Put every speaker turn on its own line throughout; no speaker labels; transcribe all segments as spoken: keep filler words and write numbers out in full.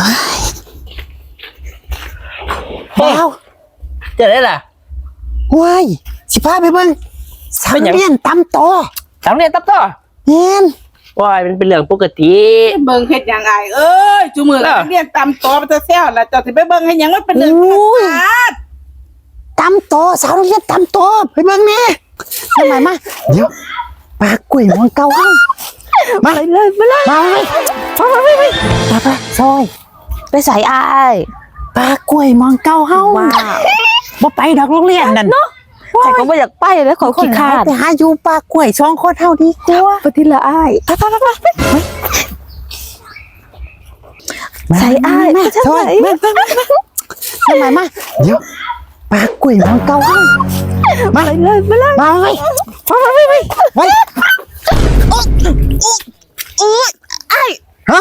ว้าวเจอได้ล่ะว้ายสิพาไปเบิ่งสังเรียนตำโต
สังเรียนตำโต
เงี้ย
ว้ายมันเป็นเรื่องปกติ
เบิ่งเฮ็ดหยังไงเอ้ยจุมือนักเรียนตำโตมันจะแซวแล้วเจ้าสิไปเบิ่งให้หยังมันเป็นเรื่องธรรมชาติ
ตำโตสาวเรียนตำโตไปเบิ่งแม่ทำไมมาเดี๋ยวปลากล้วยมองเก่าห้องมาเลยมาเลยมาเลยมาไปไปไปไปซอยไปใส่อายปลากล้วยมองเก่าห้องว้าวบ่ไปดอกโรงเรียนนั่นเนาะ
แต่ก็ไม่อยากไปแล้วขอขี้ขาด
ไปหาอยู่ปลากล้วยช่องโคตรเท่าดีกว่า
ปฏิละอ้าย
ไปไปไปไป
ใส่อ้าย
มาซอยมาทำไมมาเดี๋ยวปลากล้วยมองเก่าห้องมาเลยมาเลยมาเลยมาไปไปไปโอ้โอ้ไอ้ฮะ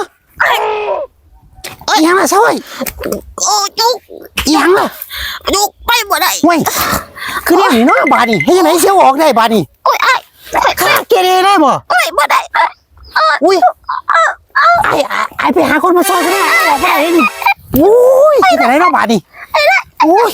ยังล่ะซอยโอ้จุกยังล่ะจุกไปบ่ได้เว้ยคือเนี่ยนี่เนาะบาดนี่ให้ยังไงเสียวออกได้บาดนี่โอ้ยไอ้ข้าเกเรได้บ่โอ้ยบ่ได้อุ้ยไอ้ไอ้ไปหาคนมาซอยกันได้ออกมาเลยนี่โอ้ยที่ไหนเนาะบาดนี่โอ้ย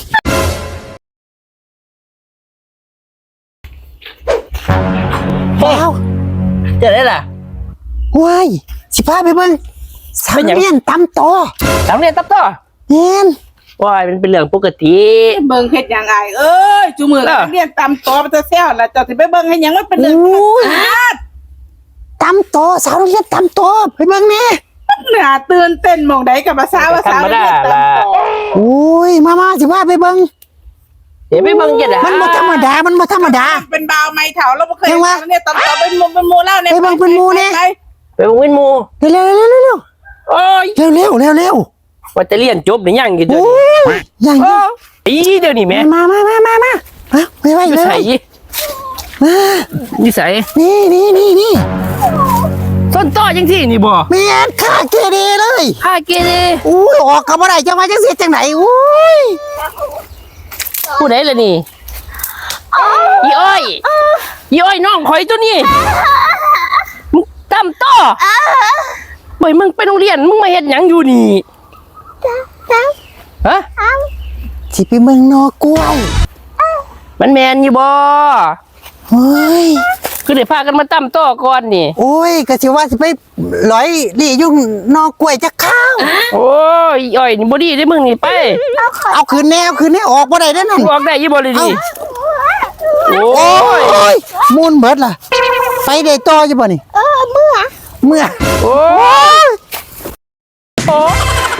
ว้าว
เจอได้ล่ะ
ว้ายสิพาไปเบิ่งสังเรียนตำโต
สังเรียนตำโต
เงี้ย
ว้ายมันเป็นเรื่องปกติ
เบิ่งเฮ็ดหยังไงเอ้ยจุมือนักเรียนตำโตมันจะแซวแล้วเจ้าสิไปเบิ่งให้หยังมันเป็นเรื่องธรรมชาติ
ตำโตสาวเรียนตำโตไปเบิ่งแม่
น่าตื่นเต้นมองใดกับภาษาภาษาเรียนตำโต
โอ้ยมามาสิพาไปเบิ่ง
เดี๋ยวไปเบิ่งจังได๋
มันบ่ธรรมดามันบ่ธรรมดา
เป็นบ่าวไม้เฒ่าเราบ่เคยเห็นเนี่ยตำโตเป็นหมู่เป็นหมู่แล้วเนี่ย
ไปเบิ่งเป็นหมู่เนี่ย
ไปเบิ่งเป็นหมู่
เร็วเร็วเร็วเร็ว
โอ้ย
เร็วเร็วเร็วเร็ว
ว่าจะเรียนจบหรือยังกี่เดือน
ยัง
อีเดี๋ยวนี้แม่
มามามามามาไปไป
นิสัย
มา
นิสัย
นี่นี่นี่นี่
ต้นต่อยังที่นี่บ่
แม่ข้าเกเรเลย
ข้าเกเร
อุ้ยออกก็บ่ได้จะมาจังสิจังไหนอุ้ย
ผู้ใดล่ะนี่อีอ้อยอีอ้อยน้องข่อยตัวนี้มึงตำต่อบ่มึงไปโรงเรียนมึงมาเฮ็ดหยังอยู่นี่ฮะ
สิไปเมืองนอกล้วย
มันแม่นอยู่บ่
เฮ้ย
คือได้พากันมาตำต่อก่อนนี่
โอ้ยก็สิว่าสิไปลอยลี่ยุ่งนอกกล้วยจะข้าว
โอ้ยอ้อยนี่บ่ดีเด้มึงนี่ไป
เอาคืนแนวคืนแนวออกบ่ได้เด้อนั่น
ออกได้อยู่บ่เลยดิ
โอ้ยมูนเบิดล่ะไปได้ต่ออยู่บ่นี่
เออเมื่อ
เมื่อ
โอ้ยโอ้